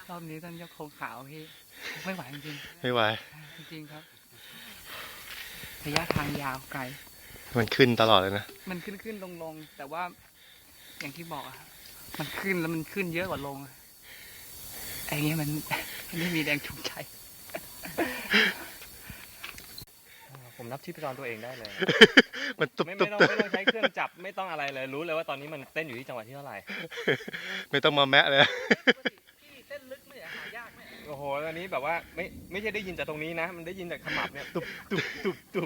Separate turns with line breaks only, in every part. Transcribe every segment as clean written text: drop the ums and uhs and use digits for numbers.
รอบนี้ต้องยกโครงขาวพี่ไม่ไหวจริง
ไม่ไหว
จริงครับระยะทางยาวไกล
มันขึ้นตลอดเลยนะ
มันขึ้นลงแต่ว่าอย่างที่บอกอะมันขึ้นแล้วมันขึ้นเยอะกว่าลงไอ้เงี้ยมันไม่มีแรงจูงใจ
ผมนับชีพจรตัวเองได้เลย
มันตุบ
ไม่
ตุบ
ต้องใช้เครื่องจับไม่ต้องอะไรเลยรู้เลยว่าตอนนี้มันเต้นอยู่ที่จังหวะที่เท่าไหร่
ไม่ต้องมาแมะเลย
พี่เต้นลึกไม่หายากไหม
โอ้โหตอนนี้แบบว่าไม่ใช่ได้ยินจากตรงนี้นะมันได้ยินจากขมับเนี่ยตุบ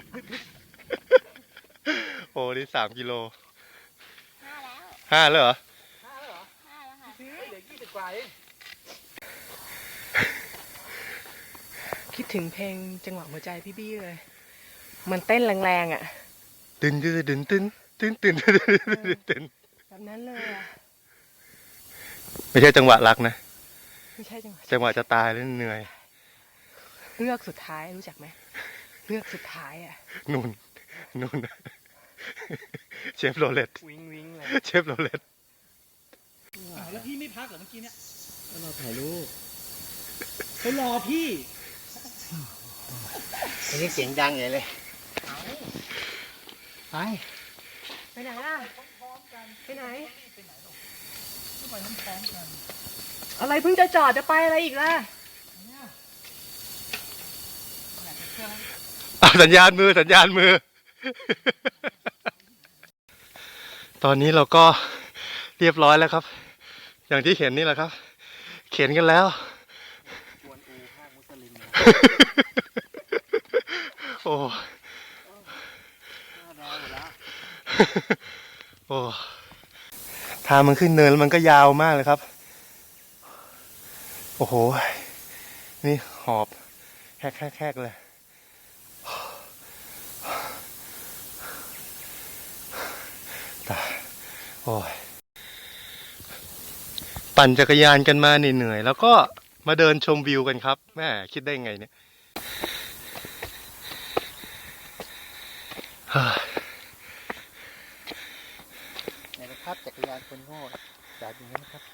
โอ้นี่3 กิโล
5 แล้ว
5เลยเหรอ
5 แล้วเหรอ
5 แล้วค่ะ
เหลือ20 กว่าเองคิดถึงเพลงจังหวะหัวใจพี่บี้เลยมันเต้นแรงๆอ่ะ
ตื่นตื่นตื่นตื่นตื่นตื่นตื่น
แบบนั้นเลยอ่ะ
ไม่ใช่จังหวะรักนะ
ไม่ใช่
จังหวะจะตายแล้วเหนื่อย
เงือกสุดท้ายรู้จักไหมเงือกสุดท้ายอ่ะ
นู่นเชฟโรเลต
วิงเลย
เชฟโรเลต
แล้วพี่ไม่พักเหรอเมื่อกี้เนี่ย
เราถ่ายรูป
เขารอพี่
อันนี้เสียงดังใหญ่เลย
ไปไหนล่ะไปไหนอะไรเพิ่งจะจอดจะไปอะไรอีกล่ะ
สัญญาณมือตอนนี้เราก็เรียบร้อยแล้วครับอย่างที่เห็นนี่แหละครับเข็นกันแล้วโอ้โอ้ทางมันขึ้นเนินแล้วมันก็ยาวมากเลยครับโอ้โหนี่หอบแฮกเลยโอ้ยปั่นจักรยานกันมาเหนื่อยแล้วก็มาเดินชมวิวกันครับแม่คิดได้ไงเนี่ย
ในภาพจักรยานคนโง่แบบนี้นะครับ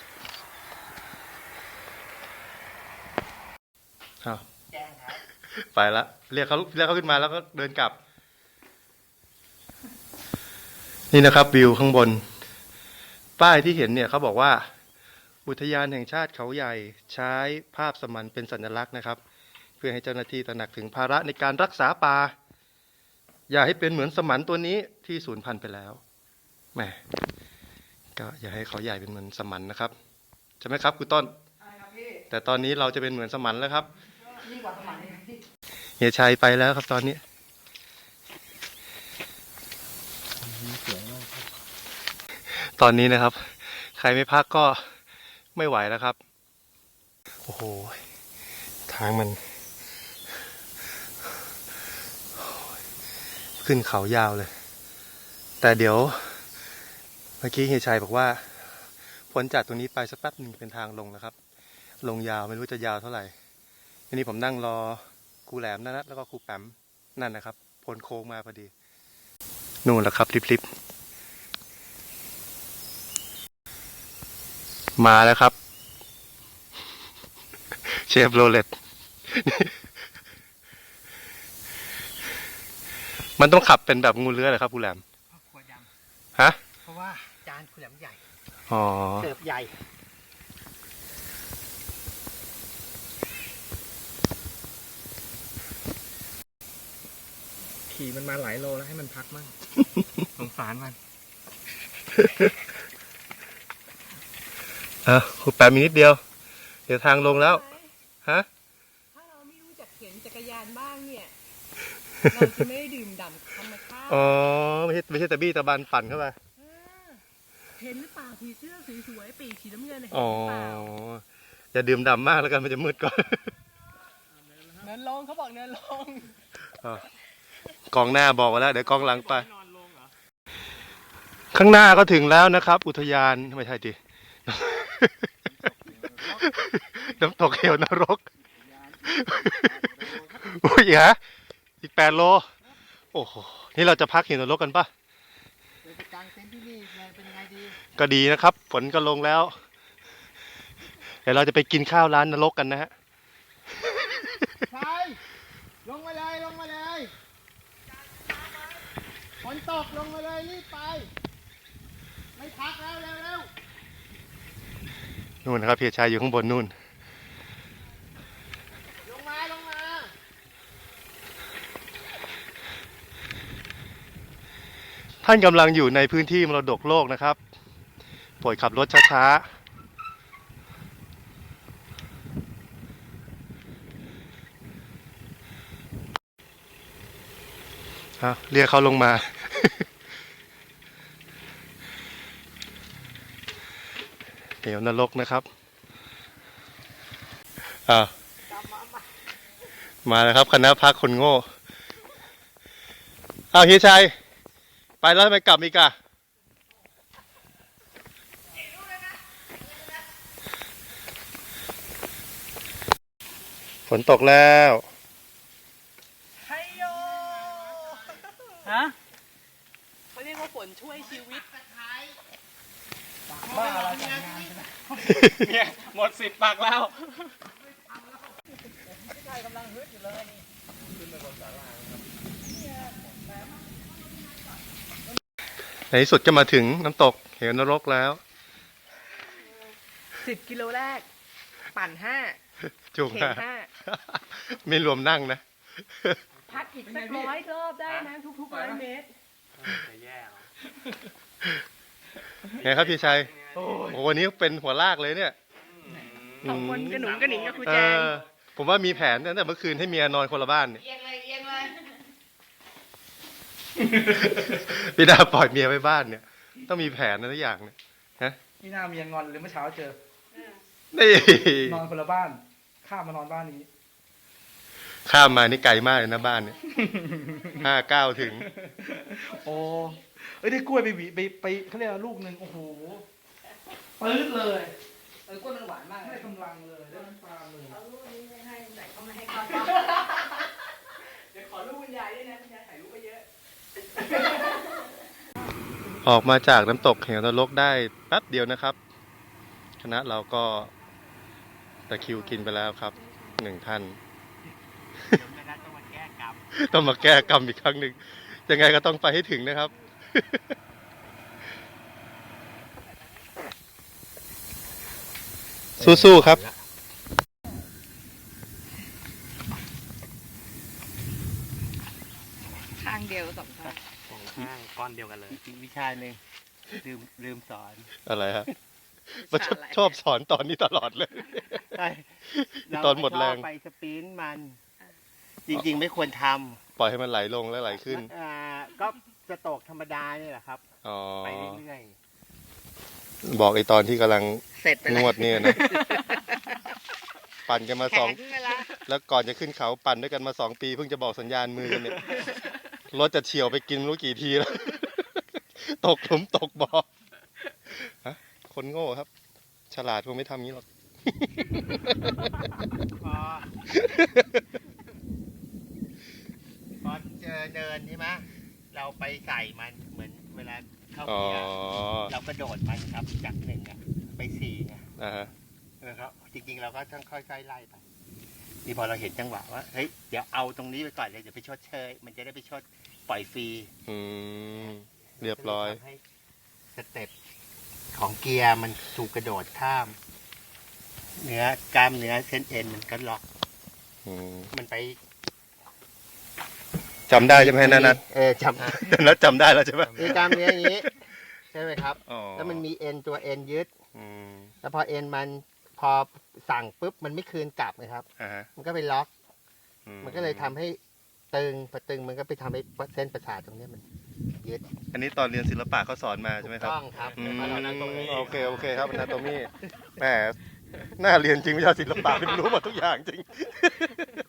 ไปละเรียกเขาขึ้นมาแล้วก็เดินกลับนี่นะครับวิวข้างบนป้ายที่เห็นเนี่ยเขาบอกว่าอุทยานแห่งชาติเขาใหญ่ใช้ภาพสมันเป็นสัญลักษณ์นะครับเพื่อให้เจ้าหน้าที่ตระหนักถึงภาระในการรักษาป่าอย่าให้เป็นเหมือนสมันตัวนี้ที่สูญพันธุ์ไปแล้วแหมก็อย่าให้เขาใหญ่เป็นเหมือนสมันนะครับใช่ไหมครับคุณต้นแต่ตอนนี้เราจะเป็นเหมือนสมันแล้วครับ
ยิ่งกว่าสมัย
เฮียชัยไปแล้วครับตอนนี้ตอนนี้นะครับใครไม่พักก็ไม่ไหวแล้วครับโอ้โหทางมันขึ้นเขายาวเลยแต่เดี๋ยวเมื่อกี้เฮียชัยบอกว่าพ้นจากตรงนี้ไปสักแป๊บหนึ่งเป็นทางลงนะครับลงยาวไม่รู้จะยาวเท่าไหร่ทีนี้ผมนั่งรอครูแหลมนั่นนะแล้วก็ครูแปมนั่นนะครับพ้นโค้งมาพอดีนู่นแหละครับลิบมาแล้วครับเชฟโรเลตมันต้องขับเป็นแบบงูเลื้อยเหรอครับครูแหลม
ขวดด
ฮะ
เพราะว่าจานคุณแหลมใหญ่
อ๋อ
เสิร์ฟใหญ่ขี่มันมาหลายโลแล้วให้มันพักมั่งสงสารมัน
ครูแปมมีนิดเดียวเดี๋ยวทางลงแล้วฮะ
ถ้าเราไม่รู้จักเข็นจักรยานบ้างเนี่ยเราจะไม่ได้ดื่มด่ำธรรมชาติ
อ๋อไม่ใช่ตะบี้ตะบันปั่นเข้าไป
เห็นหรือเปล่าผีเสื้อสวยๆปีกสีน้ำเงินเห็นห
รือ
เปล่า
อย่าดื่มด่ำมากแล้วกันมันจะมืดก่อน
เนินลงเขาบอกเนินลง
กองหน้าบอกไว้แล้วเดี๋ยวกองหลังไปข้างหน้าก็ถึงแล้วนะครับอุทยานไม่ใช่ดิน้ำตกเหวนรกอุ้ยฮะอีก8 โลโอ้โหนี่เราจะพักเหวนรกกันปะก็ดีนะครับฝนก็ลงแล้วดี๋ยวเราจะไปกินข้าวร้านนรกกันนะฮะ
ชายลงมาเลยลงมาเลยฝนตกลงมาเลยรีบไป ไม่พักแล้วเร็วเร็ว
นู่นนะครับเพียรชายอยู่ข้างบนนู่น
ลงมาลงมา
ท่านกำลังอยู่ในพื้นที่มรดกโลกนะครับโปรดขับรถช้าๆเรียกเขาลงมา เหวนรกนะครับมาแล้วครับคณะพักคนโง่เฮียชัยไปแล้วทำไมกลับอีกอะฝนตกแล้ว
ไฮโยฮะเขาเรียกว่าฝนช่วยชีวิตบ้าอะไรจัดงานใช่ไหม
เนี่ยหมดสิทธิ์ปักแล้ว
ในที่สุดก็มาถึงน้ำตกเหวนรกแล้ว
10 กิโลแรก ปั่น 5
จุง
เข่ง
ไม่รวมนั่งนะ
พักอีกสัก100 รอบได้นะทุกๆ100 เมตร
ไงครับพี่ชัยโอ้วันนี้เป็นหัวลากเลยเนี่ย
สองคนกระหนุงกระหนิงกับครูแจง
ผมว่ามีแผนตั้งแต่เมื่อคืนให้เมียนอนคนละบ้านเนี่ย
เอียงเลยเอียงเลย
พี่ดาปล่อยเมียไว้บ้านเนี่ย ต้องมีแผนนะทุกอย่างเนี่ยฮะ
นี่น่าเมียงอนหรือเมื่อเช้าเจอ
นี่
นอนคนละบ้าน ข้ามมานอนบ้านนี้
ข้ามมานี่ไกลมากเลยนะบ้านเนี่ย5-9ถึง
โอ้เอ้ยได้กล้วยไปหวีไปเขาเรียกว่าลูกหนึ่งโอ้โหปื๊ดเลยกล้วยมันหวานมากได้กำลังเลยได้น้ำตาเลยเอาลูกนี้ไม่ให้ไหนเขาไม่ให้เขาเดี๋ยวขอลูกคุณยายด้วยนะคุณยายถ่ายรูปไปเยอะ
ออกมาจากน้ำตกเหวนรกได้แป๊บเดียวนะครับ คณะเราก็ตะคริวกินไปแล้วครับ1 ท่าน ต้องมาแก้กรรมอีกครั้งหนึ่งยังไงก็ต้องไปให้ถึงนะครับ สู้ๆครับ
ข้างเดียวสองข้าง
ข้างก้อนเดียวกันเลย
วิชาหนึ่งลืมสอน
อะไรฮะชอบสอนตอนนี้ตลอดเลย
ใช่
ตอนหมดแรง
ไปสปรินต์มัน จริงๆไม่ควรท
ปล่อยให้มันไหลลงแล้วไหลขึ้น
ำก็สโตรกธรรมดานี่แหละครับ
อ๋อ
ไปเรื่อย
บอกไอตอนที่กำลัง
เสร็จไป
งวดเนี่ยนะ ปั่นกันมาสอง
แข็งไปละ
แล้วก่อนจะขึ้นเขาปั่นด้วยกันมา2 ปีเพิ่งจะบอกสัญญาณมือกันเนี่ย รถจะเฉียวไปกินไม่รู้กี่ทีแล้ว ตกหลุมตกบ่อฮะคนโง่ครับ ฉลาดคงไม่ทำงี้หรอก
พอเจอเดินใช่ไหมเราไปใส่มันเหมือนเวลาเข้า
อ๋อ
เกียร์เรากระโดดมันครับจาก1ไป4ไง
ฮะ
ครับจริงๆเราก็ต้องค่อยๆไล่ไปนี่พอเราเห็นจังหวะว่าเฮ้ยเดี๋ยวเอาตรงนี้ไปก่อนเลยเดี๋ยวไปชดเชยมันจะได้ไปชดปล่อยฟรี
เรียบร้อย
ทำให้สเต็ปของเกียร์มันถูกกระโดดข้าม กล้ามเนื้อเส้นเอ็นมันก็ล็อก มันไป
จำได้ใช่ไหมนัท
จำ
นัทจำได้แล้วใช่ไหม
คือกล้ามเนื้ออย่างนี้ใช่ไหมครับ
อ๋อ
แล้วมันมีเอ็นตัวเอ็นยึด
อืม
แล้วพอเอ็นมันพอสั่งปุ๊บมันไม่คืนกลับนะครับ
ฮะ
มันก็ไปล็อก
อื
มันก็เลยทำให้ตึงพอตึงมันก็ไปทำให้เส้นประสาทตรงเนี้ยมันยึด
อันนี้ตอนเรียนศิลปะเขาสอนมาใช่ไหมครับ
ต้องครับ
โอเคครับนาโตมี่แหมน่าเรียนจริงวิชาศิลปะเป็นรู้หมดทุกอย่างจริง